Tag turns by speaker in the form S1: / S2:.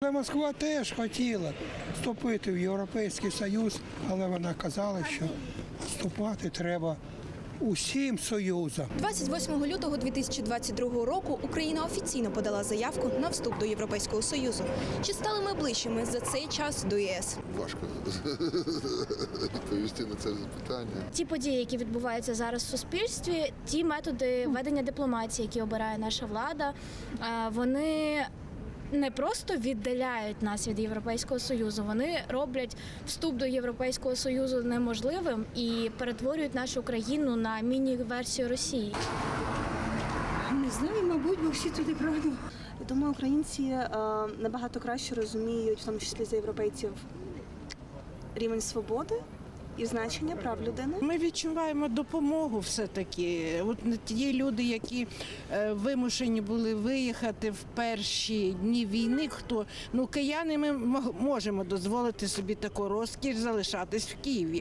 S1: себе Москва теж хотіла вступити в Європейський Союз, але вона казала, що вступати треба усім союзам.
S2: 28 лютого 2022 року Україна офіційно подала заявку на вступ до Європейського Союзу. Чи стали ми ближчими за цей час до ЄС?
S3: Важко відповісти на це запитання.
S4: Ті події, які відбуваються зараз в суспільстві, ті методи ведення дипломатії, які обирає наша влада, вони не просто віддаляють нас від Європейського Союзу, вони роблять вступ до Європейського Союзу неможливим і перетворюють нашу країну на міні-версію Росії.
S5: Не знаю, мабуть, бо всі туди прагнуть. Я думаю, українці набагато краще розуміють, в тому числі за європейців, рівень свободи і значення прав людини.
S6: Ми відчуваємо допомогу все-таки. От ті люди, які вимушені були виїхати в перші дні війни, кияни, ми можемо дозволити собі таку розкіш залишатись в Києві.